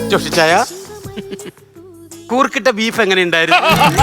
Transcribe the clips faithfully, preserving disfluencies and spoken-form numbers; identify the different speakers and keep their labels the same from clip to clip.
Speaker 1: ജോഷിച്ചായ കൂർക്കിട്ട beef എങ്ങനെ ഉണ്ടായിരുന്നു?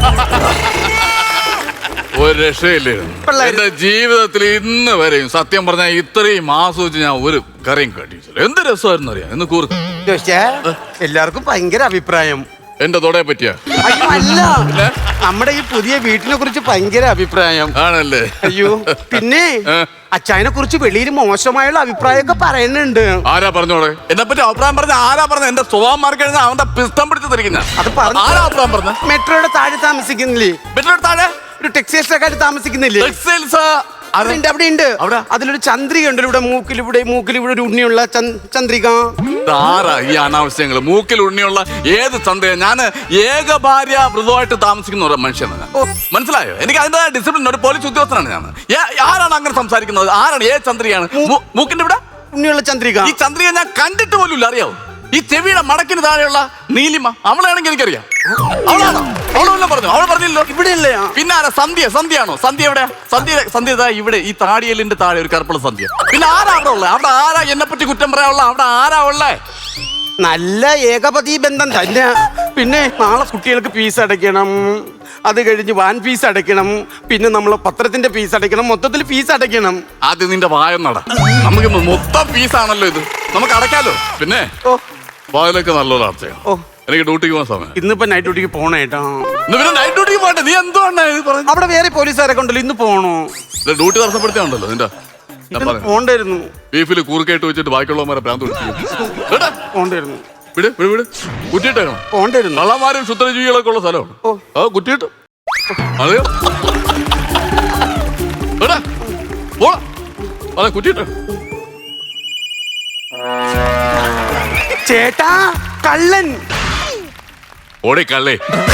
Speaker 2: ഒരു രക്ഷയില്ലേ എന്റെ ജീവിതത്തിൽ ഇന്ന് വരെയും സത്യം പറഞ്ഞാൽ ഇത്രയും ആസ്വദിച്ച് ഞാൻ ഒരു കറിയും കണ്ടിട്ടില്ല. എന്ത് രസമായിരുന്നു അറിയാം ഇന്ന് കൂർക്ക്.
Speaker 1: ജോഷിച്ചായ എല്ലാവർക്കും ഭയങ്കര അഭിപ്രായം
Speaker 2: എന്റെ തൊടയെ പറ്റിയ
Speaker 1: അല്ല നമ്മുടെ ഈ പുതിയ വീട്ടിനെ കുറിച്ച് ഭയങ്കര അഭിപ്രായം
Speaker 2: ആണല്ലേ.
Speaker 1: അയ്യോ പിന്നെ അച്ചായനെ കുറിച്ച് വെളിയിൽ മോശമായുള്ള അഭിപ്രായമൊക്കെ പറയുന്നുണ്ട്.
Speaker 2: ആരാ പറഞ്ഞോടെ എന്നെ പറ്റി അഭിപ്രായം പറഞ്ഞ? ആരാ പറഞ്ഞ? എന്റെ സ്വഭാവം മാറി കഴിഞ്ഞാൽ അവന്റെ പിസ്തം പിടിച്ച് തിരിക്കുന്ന
Speaker 1: അത് പറഞ്ഞു.
Speaker 2: ആരാ അഭിപ്രായം പറഞ്ഞ?
Speaker 1: മെട്രോയുടെ താഴെ താമസിക്കുന്നില്ലേ?
Speaker 2: മെട്രോയുടെ താഴെ
Speaker 1: ഒരു ടെക്സ്റ്റൈൽസ് താമസിക്കുന്നില്ലേ?
Speaker 2: ടെക്സ്റ്റൈൽസ്
Speaker 1: അതുണ്ട്, അവിടെ ഉണ്ട്. അവിടെ അതിലൊരു ചന്ദ്രിക ഉണ്ട്. ഇവിടെ മൂക്കിൽ ഇവിടെ മൂക്കിൽ ഇവിടെ ഒരു ഉണ്ണിയുള്ള ചന്ദ്രിക.
Speaker 2: ആരാ ഈ അനാവശ്യങ്ങള്? മൂക്കിൽ ഉണ്ണിയുള്ള ഏത് ചന്ദ്രിക? ഞാൻ ഏക ഭാര്യ വ്രതമായിട്ട് താമസിക്കുന്ന ഒരു മനുഷ്യനാണ്. മനസ്സിലായോ? എനിക്ക് അതിന്റെ ഡിസിപ്ലിൻ ഒരു പോലീസ് ഉദ്യോഗസ്ഥനാണ് ഞാൻ. ആരാണ് അങ്ങനെ സംസാരിക്കുന്നത്? ആരാണ്? ഏത് ചന്ദ്രികയാണ്? മൂക്കിന്റെ ഇവിടെ
Speaker 1: ഉണ്ണിയുള്ള ചന്ദ്രിക.
Speaker 2: ഈ ചന്ദ്രിക ഞാൻ കണ്ടിട്ട് പോലും ഇല്ല. അറിയാവോ? ഈ ചെവിയുടെ മടക്കിന് താഴെയുള്ള നീലിമ, അവളാണെങ്കിൽ എനിക്കറിയാം. അവളാണോ? അവളെല്ലാം പറഞ്ഞു. അവൾ പറഞ്ഞില്ലോ.
Speaker 1: ഇവിടെ ഇല്ലേ? പിന്നെ
Speaker 2: ആരാ? സന്ധ്യ. സന്ധ്യയാണോ? സന്ധ്യ എവിടെ? സന്ധ്യ സന്ധ്യ ഇവിടെ ഈ താടിയലിന്റെ താഴെ ഒരു കറുപ്പുള്ള സന്ധ്യ. പിന്നെ ആരാ അവിടെ ഉള്ളത്? അവിടെ ആരാ എന്നെ പറ്റി കുറ്റം പറയാനുള്ള? അവിടെ ആരാ ഉള്ളേ?
Speaker 1: നല്ല ഏകപതി ബന്ധം തന്നെ. പിന്നെ നാളെ കുട്ടികൾക്ക് ഫീസ് അടയ്ക്കണം, അത് കഴിഞ്ഞ് വാൻ ഫീസ് അടയ്ക്കണം, പിന്നെ നമ്മൾ പത്രത്തിന്റെ ഫീസ് അടയ്ക്കണം, മൊത്തത്തിൽ ഫീസ് അടയ്ക്കണം.
Speaker 2: ആദ്യം നിന്റെ വായൊന്നട. നമുക്ക് മൊത്തം ഫീസാണല്ലോ ഇത്, നമുക്ക് അടയ്ക്കാലോ. പിന്നെ
Speaker 1: ഓ
Speaker 2: വാതിലൊക്കെ നല്ലൊരു അർത്ഥയാണ്.
Speaker 1: ഓ
Speaker 2: എനിക്ക് ഡ്യൂട്ടിക്ക് പോകാൻ സമയം.
Speaker 1: ഇന്നിപ്പോ നൈറ്റ് ഡ്യൂട്ടിക്ക് പോണേട്ടാ.
Speaker 2: പിന്നെ നൈറ്റ് ഡ്യൂട്ടിക്ക് പോകട്ടെ. നീ എന്തുകൊണ്ടാ ഇത് പറഞ്ഞത്?
Speaker 1: അവിടെ വേറെ പോലീസുകാരൊക്കെ ഉണ്ടല്ലോ, ഇന്ന് പോണോ?
Speaker 2: ഡ്യൂട്ടി തടസ്സപ്പെടുത്തിയാണല്ലോ നിന്റെ.
Speaker 1: പോണ്ടായിരുന്നു.
Speaker 2: ബീഫിൽ കൂർക്കയിട്ട് വെച്ചിട്ട് ബാക്കിയുള്ളവന്മാരെ പ്രാന്ത്
Speaker 1: പോണ്ടായിരുന്നു.
Speaker 2: വിട് വിട് വിട്. കുറ്റിയിട്ടേക്കണം.
Speaker 1: പോണ്ടായിരുന്നു.
Speaker 2: കള്ളന്മാരും ശുദ്രജീവികളൊക്കെ ഉള്ള സ്ഥലമാണ്. ആ കുറ്റിയിട്ട് അതെയോ? അതെ കുറ്റിയിട്ട്.
Speaker 1: ചേട്ടാ കള്ളൻ.
Speaker 2: ഓടി കള്ളേ.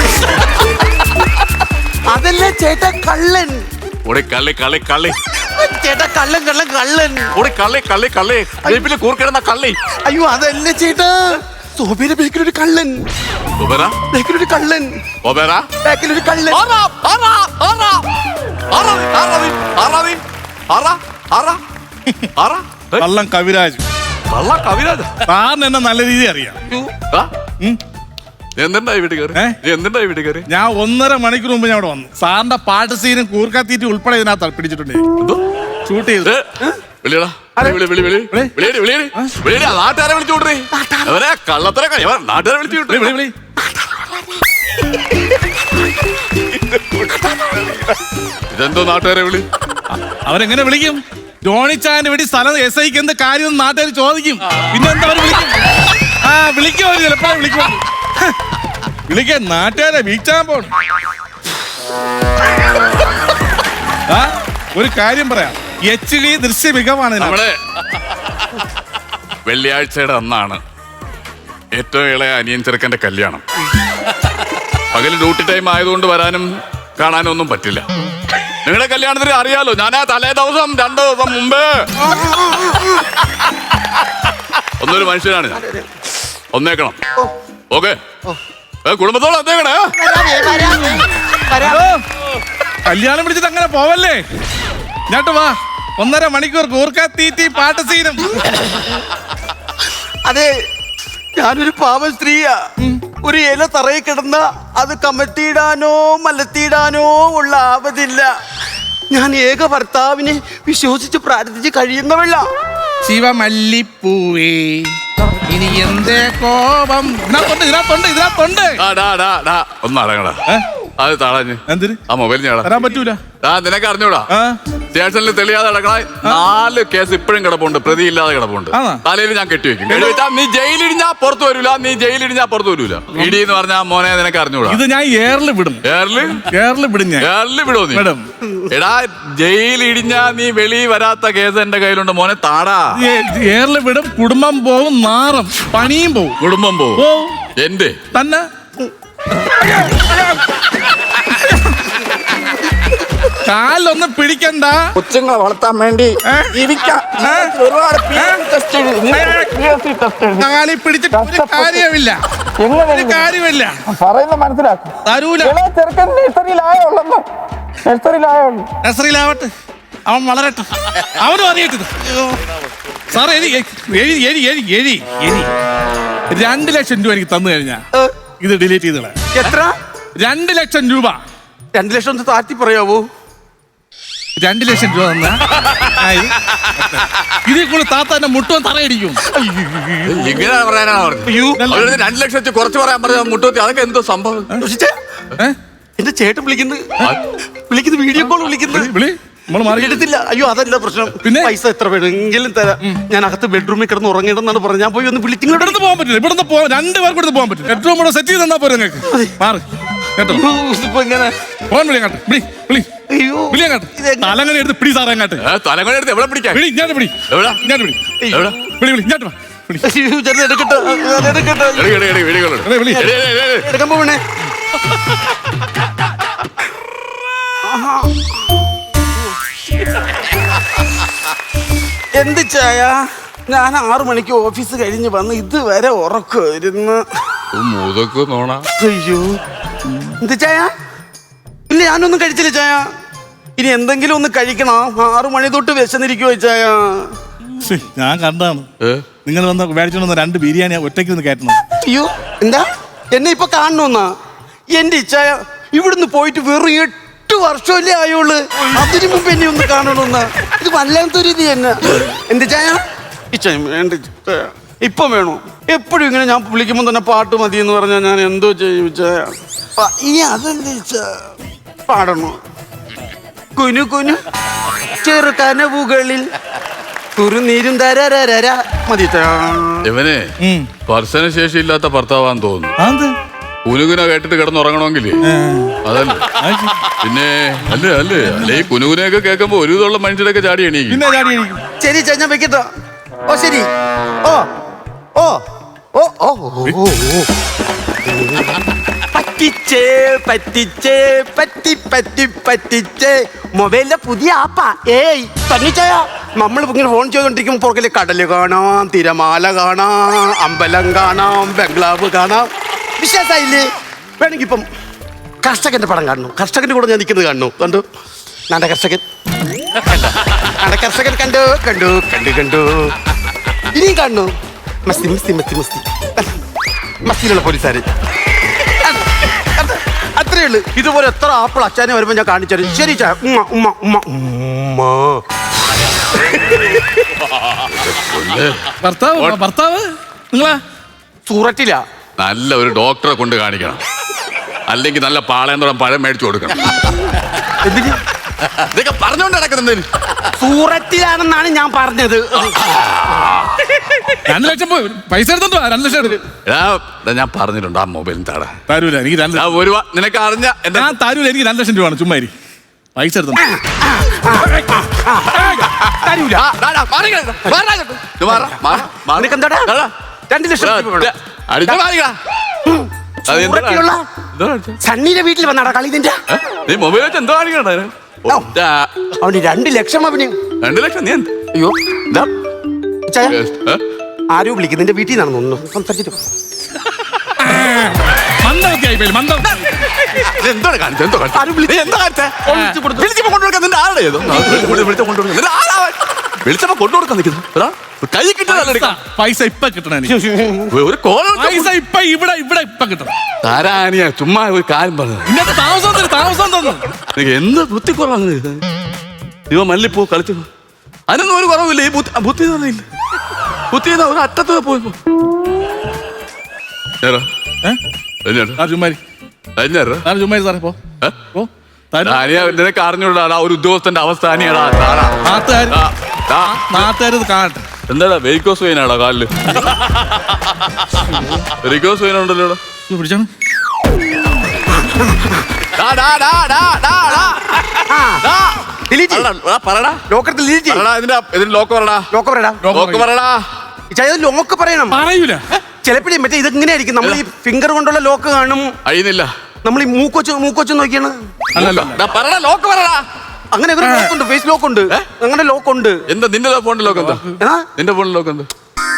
Speaker 1: അതല്ല ചേട്ടാ കള്ളൻ.
Speaker 2: ഓടി കള്ളേ കള്ളേ കള്ളേ.
Speaker 1: ചേട്ടാ കള്ളൻ കള്ളൻ കള്ളൻ.
Speaker 2: ഓടി കള്ളേ കള്ളേ കള്ളേ. ബീഫിൽ കൂർക്കിടുന്ന കള്ളേ.
Speaker 1: അയ്യോ അതല്ല ചേട്ടാ, സോബിയുടെ ബേക്കിലൊരു കള്ളൻ. ബേക്കിലൊരു കള്ളൻ. ബേക്കിലൊരു കള്ളൻ.
Speaker 3: കള്ളം കവിരാജ്.
Speaker 2: കള്ള കവിരാജ്
Speaker 3: സാറിന് എന്നെ നല്ല രീതി അറിയാം.
Speaker 2: എന്തുണ്ടായി വീട്ടിൽ കയറി? എന്തുണ്ടായി വീട്ടിൽ കയറി?
Speaker 3: ഞാൻ ഒന്നര മണിക്കൂർ മുമ്പ് ഞാൻ അവിടെ വന്നു. സാറിന്റെ പാട്ട് സീനും കൂർക്കാത്തീറ്റ് ഉൾപ്പെടെ ഇതിനകത്ത് പിടിച്ചിട്ടുണ്ട്. ഷൂട്ട് ചെയ്ത്
Speaker 2: വിളിയടാ. നാട്ടുകാരെ വിളിച്ചു വിട്ടേ. അവരെ കള്ളത്തര നാട്ടുകാരെ വിളിച്ചു വിട്ടേ.
Speaker 3: വിളി വിളി.
Speaker 2: ഇതെന്തോ നാട്ടുകാരെ വിളി?
Speaker 3: അവരെങ്ങനെ വിളിക്കും? ജോണിച്ചാന്റെ വേണ്ടി സ്ഥലം എസ് ഐക്ക് എന്ത് കാര്യം നാട്ടുകാർ ചോദിക്കും. പിന്നെ എന്താ അവർ വിളിക്കും? ആ വിളിക്കും. അവര് ചിലപ്പോ വിളിക്കും. വിളിക്കാൻ നാട്ടുകാരെ വീഴ്ചാൻ പോണം. ആ ഒരു കാര്യം പറയാം, എച്ച് ഡി ദൃശ്യ മികവാണ്.
Speaker 2: നമ്മള് വെള്ളിയാഴ്ചയുടെ അന്നാണ് ഏറ്റവും ഇളയ അനിയൻ ചെറുക്കന്റെ കല്യാണം. പകല് ഡ്യൂട്ടി ടൈം ആയതുകൊണ്ട് വരാനും കാണാനും ഒന്നും പറ്റില്ല. നിങ്ങളുടെ കല്യാണത്തിന് അറിയാലോ, ഞാൻ ആ തലേ ദിവസം രണ്ടു ദിവസം മുമ്പ് ഒന്നൊരു മനുഷ്യനാണ് ഞാൻ. ഒന്നേക്കണം. ഓക്കെ, കുടുംബത്തോടെ ഒന്നേക്കണേ.
Speaker 3: കല്യാണം പിടിച്ചിട്ട് അങ്ങനെ പോവല്ലേ. ഞാട്ട് വാ. ഒന്നര മണിക്കൂർ കൂർക്കാത്തീറ്റി പാട്ട് സീനും.
Speaker 1: അതെ, ഞാനൊരു പാവ സ്ത്രീയാ. ഒരു ഇല തറയിൽ കിടന്ന അത് കമത്തിയിടാനോ മലത്തിയിടാനോ ഉള്ള ആവതില്ല. ഞാൻ ഏക ഭർത്താവിനെ വിശ്വസിച്ച് പ്രാർത്ഥിച്ച് കഴിയുന്നവള.
Speaker 3: ശിവമല്ലിപ്പൂവേ ഇനി എന്തേ കോപം. ഇതിനകത്തുണ്ട് ഇതിനകത്തുണ്ട് ഇതിനകത്തുണ്ട്.
Speaker 2: ഒന്നടങ്ങടാ. അത് താളാഞ്ഞ്
Speaker 3: എന്തിന്
Speaker 2: ആ മൊബൈൽ ഞാൻ
Speaker 3: തരാൻ പറ്റൂല.
Speaker 2: ആ നിനക്ക് അറിഞ്ഞൂടാ, സ്റ്റേഷനിൽ തെളിയാതെ കിടക്കണ നാല് കേസ് ഇപ്പോഴും കിടപ്പുണ്ട്, പ്രതിയില്ലാതെ കിടപ്പുണ്ട്. തലയിൽ ഞാൻ കെട്ടിവെക്കും. കെട്ടിവെച്ചാ നീ ജയിലിടിഞ്ഞാ പുറത്തു വരൂല. നീ ജയിലിടിഞ്ഞാ പുറത്തു വരൂല. ഇടി എന്ന് പറഞ്ഞാ മോനെ നിനക്ക് അറിഞ്ഞൂടാ.
Speaker 3: ഇത് ഞാൻ ഏറിൽ വിടും.
Speaker 2: ഏറില്
Speaker 3: ഏറിൽ വിടും ഞാൻ.
Speaker 2: ഏറില് വിടോ നീ? എടാ ജയിലിടിഞ്ഞാ നീ വെളി വരാത്ത കേസ് എന്റെ കയ്യിലുണ്ട് മോനെ. താടാ
Speaker 3: ഏറിൽ വിടും. കുടുംബം പോവും, നാറും, പണിയും പോവും.
Speaker 2: കുടുംബം പോവും എന്റെ
Speaker 3: തന്നെ. കാലൊന്നും പിടിക്കണ്ട.
Speaker 1: കൊച്ചുങ്ങളെ വളർത്താൻ വേണ്ടി
Speaker 3: കാലി പിടിച്ചിട്ട് ഒരു കാര്യമില്ല. ഒരു കാര്യമില്ല.
Speaker 1: പറയുന്നത് മനസ്സിലാക്കും.
Speaker 3: തരൂല. നഴ്സറിയിലാവട്ടെ, അവൻ വളരട്ടെ, അവനും അറിയട്ടെ. സാറേ എരി എരി എരി എരി എരി എരി രണ്ട് ലക്ഷം രൂപ എനിക്ക് തന്നു കഴിഞ്ഞാ
Speaker 1: ഏ,
Speaker 3: ഇത് ഡിലീറ്റ് ചെയ്തോളെ.
Speaker 1: എത്ര?
Speaker 3: രണ്ട് ലക്ഷം രൂപ
Speaker 1: രണ്ട് ലക്ഷം ഒന്ന് താറ്റി പറയാവോ?
Speaker 3: രണ്ട് ലക്ഷം രൂപ തന്ന ഇതിൽ കൂടെ താത്താന്റെ മുട്ടും തറയടിക്കും.
Speaker 2: ഇങ്ങനെ പറയാനാണ് പറഞ്ഞത്.
Speaker 1: അയ്യോ,
Speaker 2: അവരുടെ രണ്ട് ലക്ഷം വെച്ച് കുറച്ച് പറയാൻ പറഞ്ഞ മുട്ടൂത്തി അതൊക്കെ എന്തോ സംഭവം.
Speaker 1: ദോഷിച്ചേ,
Speaker 3: ഏ?
Speaker 1: എന്റെ ചേട്ടൻ വിളിക്കുന്നു വിളിക്കുന്നു വീഡിയോ കോൾ വിളിക്കുന്നു.
Speaker 3: വിളി, വിളി നമ്മൾ മാറി
Speaker 1: എടുത്തില്ല. അയ്യോ അതല്ല പ്രശ്നം.
Speaker 3: പിന്നെ?
Speaker 1: പൈസ എത്ര വേണമെങ്കിലും തരാം. ഞാൻ അകത്ത് ബെഡ്റൂമിൽ കിടന്ന് ഉറങ്ങിയിടെന്നാണ് പറഞ്ഞത്. ഞാൻ പോയി ഒന്ന് വിളിച്ചു.
Speaker 3: ഇവിടുന്ന് പോകാൻ പറ്റില്ല. ഇവിടുന്ന് പോകാൻ രണ്ട് പേർക്ക് ഇവിടുന്ന് പോകാൻ പറ്റില്ല. ഏറ്റവും കൂടെ സെറ്റ് ചെയ്ത് തന്നാ പോരെ നിങ്ങൾക്ക്. മാറി കേട്ടോ.
Speaker 1: ഇപ്പൊ എങ്ങനെ?
Speaker 3: ഫോൺ വിളി അങ്ങാട്ട്. വിളി വിളി
Speaker 1: അയ്യോ
Speaker 3: വിളി അങ്ങാട്ട്.
Speaker 1: ഇതെങ്ങനെ?
Speaker 3: തലങ്ങനെ എടുത്ത് പിടി സാറേ അങ്ങാട്ട്.
Speaker 2: ഏ, തലകൊണ്ട് എടുത്ത് എവിടെ പിടിക്കാൻ?
Speaker 3: വിളി ഇങ്ങോട്ട് വിളി.
Speaker 2: എവിടാ?
Speaker 3: ഇങ്ങോട്ട് വിളി.
Speaker 2: എവിടാ?
Speaker 3: വിളി വിളി ഇങ്ങോട്ട് വാ. വിളി.
Speaker 1: അയ്യോ, ചേട്ടൻ എടുക്കട്ടെ, ഞാൻ എടുക്കട്ടെ.
Speaker 2: എടി, എടി, എടി, വീഡിയോ കോൾ എടു.
Speaker 3: എടേ, വിളി.
Speaker 2: എടി, എടി, എടി, എടി.
Speaker 1: എടുക്കാൻ പോവണേ. എന്ത് ചായ? ഞാൻ ആറു മണിക്ക് ഓഫീസ് കഴിഞ്ഞ് വന്ന് ഇതുവരെ ഉറക്കുമായിരുന്നു.
Speaker 2: മൂതൊക്കെ നോണ.
Speaker 1: അയ്യോ, എന്ത് ചായ? ഇല്ല, ഞാനൊന്നും കഴിച്ചില്ല ചായ. ഇനി എന്തെങ്കിലും ഒന്ന് കഴിക്കണം. ആറു മണി തൊട്ട് വിശന്നിരിക്കുവോ ചായ?
Speaker 3: ശ്ശേ, ഞാൻ കണ്ടാണ്
Speaker 2: ഏ?
Speaker 3: നിങ്ങൾ വന്ന് മേടിച്ചോണ്ട് വന്ന രണ്ട് ബിരിയാണി ഒറ്റയ്ക്ക് ഒന്ന് കയറ്റണം.
Speaker 1: അയ്യോ, എന്താ എന്നെ ഇപ്പൊ കാണണമെന്നാ? എന്റെ ഇച്ചായ ഇവിടുന്ന് പോയിട്ട് വെറും എട്ട് വർഷമല്ലേ ആയുള്ളു. അതിനു മുമ്പ് എന്നെ ഒന്ന് കാണണമെന്നാ? ഇത് വല്ലാത്തൊരു ഇത് തന്നെ. എന്ത് ചായ? ഇച്ചായ വേണ്ട ചായ. ഇപ്പം വേണോ? എപ്പോഴും ഇങ്ങനെ ഞാൻ വിളിക്കുമ്പോൾ തന്നെ പാട്ട് മതി എന്ന് പറഞ്ഞാൽ ഞാൻ എന്തോ ചെയ്യും ചായ? പ- ഈ അതല്ലേ ചായ പാടണോ? കുനു കുനു ചെറുകനവുകളിൽ കുറുനീരും തരരര മതി ചായ.
Speaker 2: ഇവനെ
Speaker 3: ഉം.
Speaker 2: സ്പർശന ശേഷി ഇല്ലാത്ത ഭർത്താവാന്ന് തോന്നുന്നു.
Speaker 3: അതെന്ത്?
Speaker 2: കുനുകുന കേട്ടിട്ട് കിടന്നുറങ്ങണമെങ്കിലേ അതല്ല. പിന്നെ അല്ലേ അല്ലേ അല്ലെ ഈ കുനുകുനയൊക്കെ കേൾക്കുമ്പോ ഒരു വിധമുള്ള മനുഷ്യരൊക്കെ ചാടി എണീക്കും.
Speaker 3: പിന്നെ ചാടി എണീക്കും.
Speaker 1: ശരി ചാ, ഞാൻ വെക്കട്ടോ. ഓ ശരി. ഓ ഓ ഓ ഓ ഓ, ഓ. പറ്റിച്ചേ പറ്റിച്ചേ പറ്റി പറ്റി പറ്റിച്ചേ. മൊബൈലിലെ പുതിയ ആപ്പാ. ഏയ് തന്നിച്ചായ നമ്മൾ ഇങ്ങനെ ഫോൺ ചെയ്തോണ്ടിരിക്കുമ്പോ പുറകിലെ കടല് കാണാം, തിരമാല കാണാം, അമ്പലം കാണാം, ബംഗ്ലാവ് കാണാം. വിശ്വാസായില്ലേ? വേണമെങ്കിൽ ഇപ്പം കർഷകന്റെ പടം കാണുന്നു. കർഷകന്റെ കൂടെ ഞാൻ നിൽക്കുന്നത് കാണുന്നു. കണ്ടു നാണ്ട കർഷകൻ. നാണ്ട കർഷകൻ കണ്ടു കണ്ടു കണ്ടു കണ്ടു. ഇനിയും കാണുന്നു. മസ്തി മസ്തി മസ്തി മസ്തി മസ്തിയിലുള്ള പോലീസുകാര്. അത്രേ ഉള്ളു. ഇതുപോലെ എത്ര ആപ്പിൾ അച്ഛനെ വരുമ്പോ ഞാൻ കാണിച്ചു തരും. ശരി ചാ. ഉമ്മ ഉമ്മ ഉമ്മ ഉമ്മ.
Speaker 3: ഭർത്താവ് ഭർത്താവ് നിങ്ങളാ?
Speaker 1: സൂററ്റില്ല.
Speaker 2: നല്ല ഒരു ഡോക്ടറെ കൊണ്ട് കാണിക്കണം. അല്ലെങ്കിൽ നല്ല പാളയന്തോളം പഴം മേടിച്ചു കൊടുക്കണം.
Speaker 1: എന്തിന്?
Speaker 2: ഇതൊക്കെ പറഞ്ഞുകൊണ്ട് നടക്കുന്നത്.
Speaker 1: സൂററ്റിലാണെന്നാണ് ഞാൻ പറഞ്ഞത്.
Speaker 3: രണ്ട് ലക്ഷം പോയി പൈസ എടുത്തോ? രണ്ട് ലക്ഷം എടുക്കും.
Speaker 2: എടാ, എടാ, ഞാൻ പറഞ്ഞിട്ടുണ്ട് ആ മൊബൈലിന് താടാ.
Speaker 3: തരൂല എനിക്ക് രണ്ട്
Speaker 2: ഞാൻ ഒരു വാ- നിനക്ക് അറിഞ്ഞ എന്റെ
Speaker 3: ഞാൻ തരൂല. എനിക്ക് രണ്ട് ലക്ഷം രൂപയാണ്. ചുമ്മാ ഇരി. പൈസ എടുത്തോ?
Speaker 1: തരൂല.
Speaker 2: ആ, ഡാ, ഡാ, മാറി കിടക്ക്. മാറാ അങ്ങോട്ട്. ഇത് മാറാ, മാറാ, മാറാ.
Speaker 1: നിനക്കെന്താടാ?
Speaker 2: ഡാ, ഡാ.
Speaker 1: രണ്ട് ലക്ഷം
Speaker 2: ഡാ,
Speaker 1: രൂപ വേണം.
Speaker 2: ഡാ, അടിച്ച് മാറിക്കടാ. അത് എന്തിനാ?
Speaker 1: സൂററ്റിലുള്ള
Speaker 2: എന്തോ കാണിച്ചേ?
Speaker 1: സണ്ണിയുടെ വീട്ടിൽ വന്നാടാ കളി നിന്റെ.
Speaker 2: ഏ? നീ മൊബൈൽ വെച്ച് എന്തോ കാണിക്കണ്ട
Speaker 1: ഓ. അവന് രണ്ട് ലക്ഷം അവന്.
Speaker 2: രണ്ട് ലക്ഷം നീ എന്ത്?
Speaker 1: അയ്യോ
Speaker 2: ഇതാ.
Speaker 1: ചായ
Speaker 2: ഏ?
Speaker 1: ആരോ വിളിക്കും. നിന്റെ വീട്ടിൽ നിന്നാണ് ഒന്ന് സംസാരിച്ചിട്ട് പോ.
Speaker 3: മന്ദമൊക്കെ ആയി പോയി. മന്ദം.
Speaker 2: ഇത് എന്തോടെ കാണിച്ചേ? എന്തോ കാണിച്ചേ?
Speaker 1: ആരും വിളിച്ചു.
Speaker 2: നീ എന്താ കാണിച്ചേ?
Speaker 1: വിളിച്ചു കൊടുത്തു.
Speaker 2: വിളിച്ചപ്പോ കൊണ്ടുകൊടുക്കാൻ നിന്റെ ആളുടെ ഏതോ? വിളിച്ചപ്പോ വിളിച്ചപ്പോ കൊണ്ടുകൊടുക്കാൻ നിന്റെ ആളാ അവൻ. വിളിച്ചപ്പോ കൊണ്ടുകൊടുക്കാൻ നിൽക്കുന്നു. എടാ, കൈ കിട്ടുന്നതല്ല എടുക്കാം.
Speaker 3: പൈസ ഇപ്പൊ കിട്ടണം എനിക്ക്.
Speaker 2: ഒരു കോൾ
Speaker 3: പൈസ ഇപ്പൊ ഇവിടെ ഇവിടെ ഇപ്പൊ കിട്ടണം.
Speaker 2: താരാനിയ ചുമ്മാ ഒരു കാര്യം പറഞ്ഞു.
Speaker 3: ഇന്നത്തെ താമസം തരും. താമസം തന്നു.
Speaker 2: നിനക്ക് എന്ത് ബുദ്ധി കുറവാണ്. ഇവ മല്ലിപ്പോ കളിച്ചു. അതിനൊന്നും ഒരു കുറവില്ല. ഈ ബുദ്ധി ബുദ്ധി എന്ന് പറഞ്ഞില്ല. ബുദ്ധി എന്നാ ഒരു അറ്റത്ത് പോയപ്പോ
Speaker 3: ആ ചുമ്മാരി ആ ചുമ്മാരി സാറേ പോ പോ.
Speaker 2: നിനക്ക് അറിഞ്ഞൂടാ ഒരു ഉദ്യോഗസ്ഥന്റെ അവസ്ഥ അനിയടാ.
Speaker 3: നാട്ടുകാർ നാട്ടുകാർ ഇത് കാണട്ടെ.
Speaker 2: എന്താടാ വെരിക്കോസ് വെയിനാടാ കാലില്? വെരിക്കോസ് വെയിൻ ഉണ്ടല്ലോ ഇവിടെ.
Speaker 3: ഇത് പിടിച്ചാണ്.
Speaker 2: ഡാ, ഡാ, ഡാ, ഡാ, ഡാ, ഡാ. ഡാ.
Speaker 1: ഡിലീറ്റ് ചെയ്യ്.
Speaker 2: അല്ലടാ, ഡാ, പറടാ.
Speaker 1: ലോക്കത്തിൽ ഡിലീറ്റ് ചെയ്യ്.
Speaker 2: പറടാ, ഇതിന്റെ ഇതിന്റെ ലോക്ക് പറടാ.
Speaker 1: ലോക്ക് പറയടാ.
Speaker 2: ലോക്ക് പറടാ.
Speaker 1: ചായ ലോക്ക് പറയണം.
Speaker 3: പറയൂല.
Speaker 1: ചിലപ്പോഴേ മറ്റേ ഇതെങ്ങനെ ആയിരിക്കും. നമ്മൾ ഈ ഫിംഗർ കൊണ്ടുള്ള ലോക്ക് കാണും.
Speaker 2: അഴിയുന്നില്ല.
Speaker 1: നമ്മൾ ഈ മൂക്കൊച്ച് മൂക്കൊച്ച് നോക്കിയാണ്.
Speaker 3: അല്ലല്ലോ.
Speaker 2: ഡാ, പറടാ, ലോക്ക് പറടാ.
Speaker 1: അങ്ങനെ ഒരു ലോക്ക് ഉണ്ട്. ഫേസ് ലോക്ക് ഉണ്ട്. അങ്ങനെ ലോക്ക് ഉണ്ട്.
Speaker 2: എന്താ നിന്റെ ഫോണിന്റെ ലോക്ക് എന്താ?
Speaker 1: ഏതാ?
Speaker 2: നിന്റെ ഫോണിന്റെ ലോക്ക് എന്താ?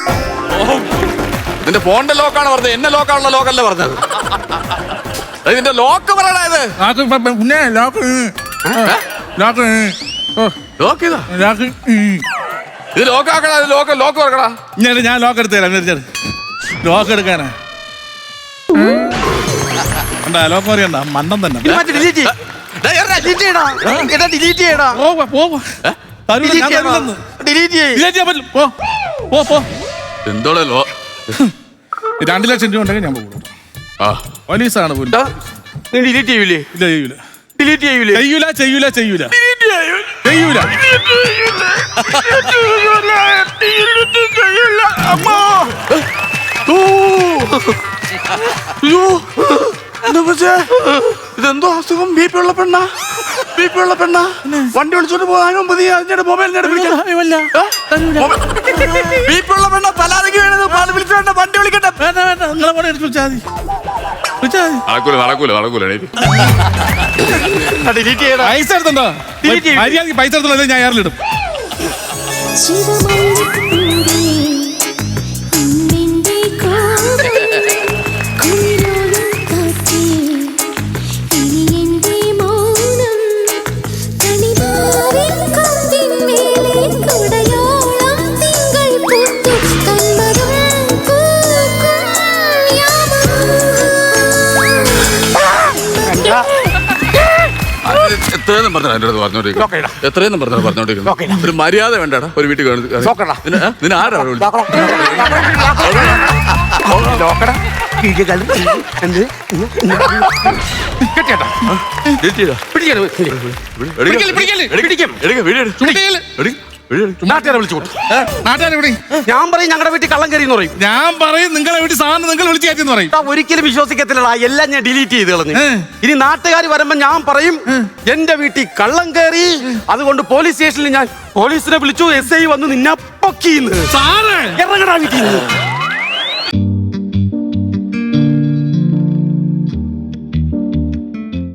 Speaker 2: നിന്റെ ഫോണിന്റെ ലോക്കാണ് പറഞ്ഞത്. എന്നെ ലോക്കാണുള്ള ലോക്കല്ല പറഞ്ഞത്. അത് നിന്റെ ലോക്ക് പറയടാ. ഇത്
Speaker 3: ലോക്ക് ഇപ്പൊ പിന്നെ ലോക്ക് ലോക്ക് ഓ
Speaker 2: ലോക്ക് ഇതാ.
Speaker 3: ലോക്ക്
Speaker 2: ഇത് ലോക്ക് ആക്കടാ. ഇത് ലോക്ക് ലോക്ക് പറക്കടാ.
Speaker 3: ഞാൻ ഞാൻ ലോക്ക് എടുത്തു തരാം. ലോക്ക് എടുക്കാനാ കണ്ടാ ലോക്ക് അറിയണ്ട മണ്ടം തന്നെ
Speaker 1: ഡിലീറ്റ് ഡിലീറ്റ് ചെയ്യടാ എടാ ഡിലീറ്റ് ചെയ്യടാ
Speaker 3: പോവാ പോവാ തരൂല, ഞാൻ തരൂലെന്ന്.
Speaker 1: ഡിലീറ്റ് ചെയ്യ്
Speaker 3: ഡിലീറ്റ് ചെയ്യാൻ പറ്റില്ല. പോ പോ പോ
Speaker 2: എന്തോടെ ലോ
Speaker 3: രണ്ട് ലക്ഷം രൂപ ഉണ്ടെങ്കിൽ ഞാൻ പോകും.
Speaker 2: ആ
Speaker 3: പോലീസാണ് പോലും.
Speaker 1: ടാ, നീ ഡിലീറ്റ് ചെയ്യൂലേ
Speaker 3: ഇല്ല ചെയ്യൂല
Speaker 1: ഡിലീറ്റ് ചെയ്യൂലേ
Speaker 3: ചെയ്യൂല ചെയ്യൂല ചെയ്യൂല ചെയ്യൂല
Speaker 1: അമ്മോ
Speaker 2: അയ്യോ എന്താ പറ്റേ ഇതെന്തോ അസുഖം ബി പി ഉള്ള പെണ്ണ ബി പി ഉള്ള പെണ്ണ വണ്ടി വിളിച്ചോണ്ട് പോകാനും മതി അതിന്റെ മൊബൈൽ ബി പി ഉള്ള പെണ്ണ തലാരക്ക് വേണത് പാല് വിളിച്ചോണ്ട് വണ്ടി വിളിക്കട്ടെ
Speaker 3: വേണ്ട വേണ്ട നിങ്ങളെ കൂടെ എടുത്ത് വിളിച്ചാൽ മതി വിളിച്ചാൽ മതി
Speaker 2: നടക്കൂല നടക്കൂല നടക്കൂല
Speaker 1: ഡിലീറ്റ് ചെയ്യടാ
Speaker 3: പൈസ എടുത്തുണ്ടോ
Speaker 1: Delete ചെയ്യ്.
Speaker 3: മര്യാദക്ക് പൈസ എടുത്തുള്ളൂ ഞാൻ എയറിലിടും
Speaker 2: എത്രയെന്നും പറഞ്ഞാ എന്റെ അടുത്ത് പറഞ്ഞോണ്ടിരിക്കും എത്രയെന്നും പറഞ്ഞാ പറഞ്ഞോണ്ടിരിക്കുന്നു ഒരു മര്യാദ വേണ്ടടാ ഒരു വീട്ടിൽ നിന്നെ ആരാ
Speaker 1: നാട്ടുകാരെ വിളിച്ചു കൂട്ടും
Speaker 3: നാട്ടുകാരെ വിളി
Speaker 1: ഞാൻ പറയും ഞങ്ങളുടെ വീട്ടിൽ കള്ളം കയറി എന്ന് പറയും
Speaker 3: ഞാൻ പറയും നിങ്ങളെ വീട്ടിൽ സാധനം നിങ്ങൾ വിളിച്ചു കയറ്റിന്ന് പറയും
Speaker 1: ടാ, ഒരിക്കലും വിശ്വസിക്കത്തില്ലടാ എല്ലാം ഞാൻ ഡിലീറ്റ് ചെയ്ത് കളഞ്ഞു
Speaker 3: ഏ.
Speaker 1: ഇനി നാട്ടുകാർ വരുമ്പോ ഞാൻ പറയും എന്റെ വീട്ടിൽ കള്ളം കയറി അതുകൊണ്ട് പോലീസ് സ്റ്റേഷനിൽ ഞാൻ പോലീസിനെ വിളിച്ചു എസ് ഐ വന്ന് നിന്നെ പൊക്കിന്ന്
Speaker 3: സാറേ
Speaker 1: ഇറങ്ങടാ വീട്ടിൽ നിന്ന്